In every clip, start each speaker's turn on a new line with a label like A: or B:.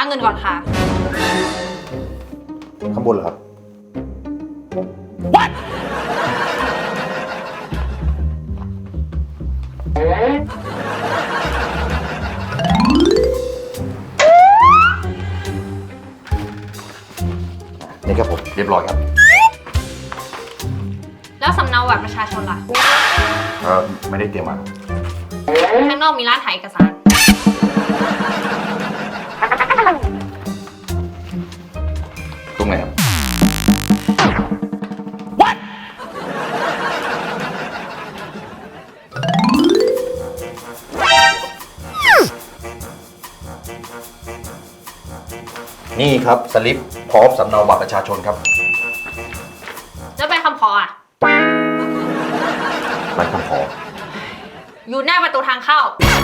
A: เงินก่อนค่ะ
B: ข้างบนเหรอครับ
C: What
B: นี่ครับผมเรียบร้อยครับ
A: แล้วสำเนาบัตรประชาชนล่ะ
B: ไม่ได้เตรียมมา
A: ข้างนอกมีร้านถ่ายเอกสาร
B: ตรงไหนครับ
C: What
B: นี่ครับสลิปพร้อมสำเนาบัตรประชาชนครับ
A: แล้วใบคำขออ่ะ
B: ใบคำขอ
A: อยู่หน้าประตูทางเข้า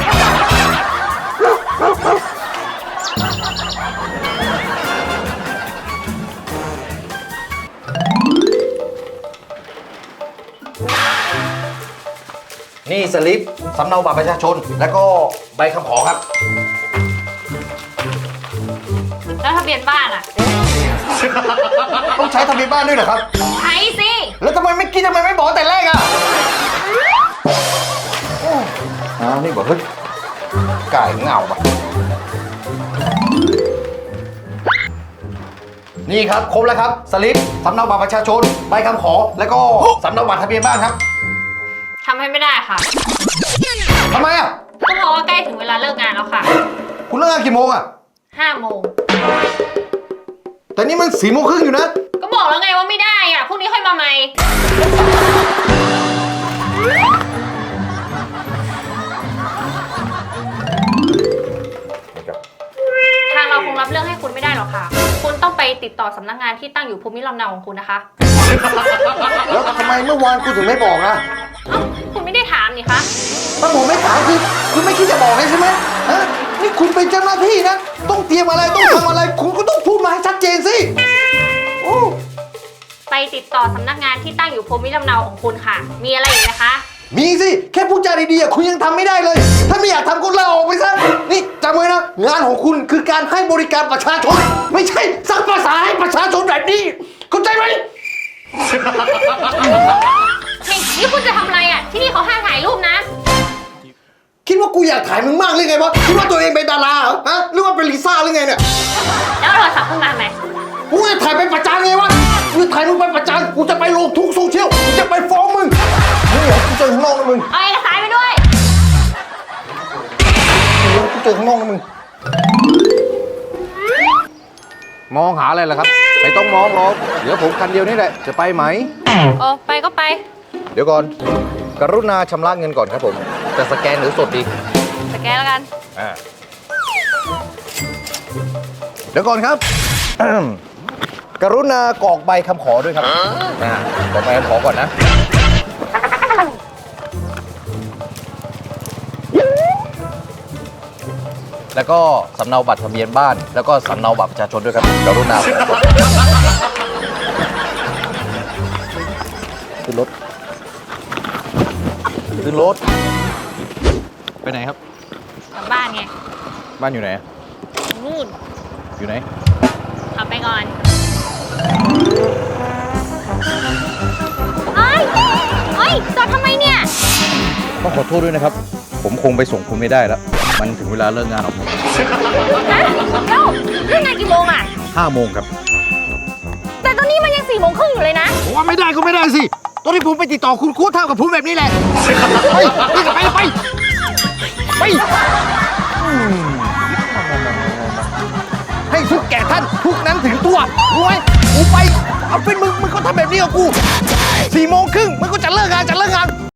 B: นี่สลิปสำเนาบัตรประชาชน แล้วก็ใบคำขอครับ
A: แล้วทะเบียนบ้านอ่ะ
B: ต้องใช้ทะเบียนบ้านด้วยเหรอครับ
A: ใช้สิ
B: แล้วทำไมไม่บอกแต่แรกอ่ะนี่บอกเฮ้ยไก่เหงาปะนี่ครับครบแล้วครับสลิปสำเนาบัตรประชาชนใบคำขอแล้วก็สำเนาบัตรทะเบียนบ้านครับ
A: ทำให้ไม่ได้ค่ะ
B: ทำไมอ่ะ
A: ก็เพราะว่าใกล้ถึงเวลาเลิกงานแล้วค่ะ
B: คุณเลิกงานกี่โมงอ่ะ
A: 5 โมง
B: แต่นี่มัน4 โมงครึ่งอยู่นะ
A: ก็บอกแล้วไงว่าไม่ได้อ่ะ พรุ่งนี้ค่อยมาใหม่ ทางเราคงรับเรื่องให้คุณไม่ได้หรอกค่ะ คุณต้องไปติดต่อสำนักงานที่ตั้งอยู่ภูมิลำเนาของคุณนะคะ
B: แล้วทำไมเมื่อวานคุณถึงไม่บอกอ่ะ
A: เอ้าคุณไม่ได้ถามนี่คะ
B: ถ้าผมไม่ถามคือคุณไม่คิดจะบอกเลยใช่ไหมฮะนี่คุณเป็นเจ้าหน้าที่นะ ต้องเตรียมอะไรต้องทำอะไร คุณก็ต้องพูดมาให้ชัดเจนสิโอ้
A: ไปติดต่อสำนักงานที่ตั้งอยู่ภูมิลำเนาของคุณค่ะ มีอะไรอีกไหมคะ
B: มีสิแค่พูดจาดีๆคุณยังทำไม่ได้เลย ถ้าไม่อยากทำก็ลาออกไปซะนี่จำไว้นะงานของคุณคือการให้บริการประชาชน ไม่ใช่สร้างภาษาให้ประชาชนแบบนี้เข้าใจไหม
A: เฮ้ยนี่คุณจะทำอะไรอ่ะ ที่นี่เขาห้ามถ่ายรูปนะ
B: คิดว่ากูอยากถ่ายมึงมากเลยไงวะคิดว่าตัวเองเป็นดาราเหรอฮะหรือว่าเป็นลิซ่าหรือไงเนี่ย
A: แล้วโทรศัพท์ขึ้นมาไหม
B: กูจะถ่ายไปประจานไงวะกูจะถ่ายมึงไปประจานกูจะไปลงทุกโซเชียลกูจะไปฟ้องมึงนี่เหรอกูเจอข้างนอกนะมึง
A: เอาเอกสารไปด้วย
B: กูเจอข้างนอกนะมึงมองหาอะไรล่ะครับไม่ต้องมองหรอกเดี๋ยวผมคันเดียวนี่แหละจะไปไหม
A: เออไปก็ไป
B: เดี๋ยวก่อนกรุณาชำระเงินก่อนครับผมจะสแกนหรือสดดี
A: สแกนแล้วกัน
B: เดี๋ยวก่อนครับ กรุณากรอกใบคำขอด้วยครับกรอกใบคำขอก่อนนะแล้วก็สำเนาบัตรทะเบียนบ้านแล้วก็สำเนาบัตรประชาชนด้วยครับกรุณาขึ้นรถขึ้นรถไปไหนครับ
A: กลับบ้านไง
B: บ้านอยู่ไหน
A: นู่น
B: อยู่ไหน
A: ขับไปก่อนเฮ้ยเฮ้ยจอดทำไมเนี่ย
B: ต้องขอโทษด้วยนะครับ ผมคงไปส่งคุณไม่ได้แล้ว มันถึงเวลาเลิกงานของผม
A: ฮะแล้วเรื่องงานกี่โมงอ่ะ
B: 5 โมงครับ
A: แต่ตอนนี้มันยัง4 โมงครึ่งอยู่เลยนะ
B: ผมว่าไม่ได้ก็ไม่ได้สิ ตอนที่ผมไปติดต่อคุณเท่ากับผมแบบนี้แหละ ไปให้ทุกแก่ท่านทุกนั้นถึงตัวรู้ไหมกูไป เอาเป็นมึงก็ทำแบบนี้กับกู4 โมงครึ่งมึงก็จะเลิกงาน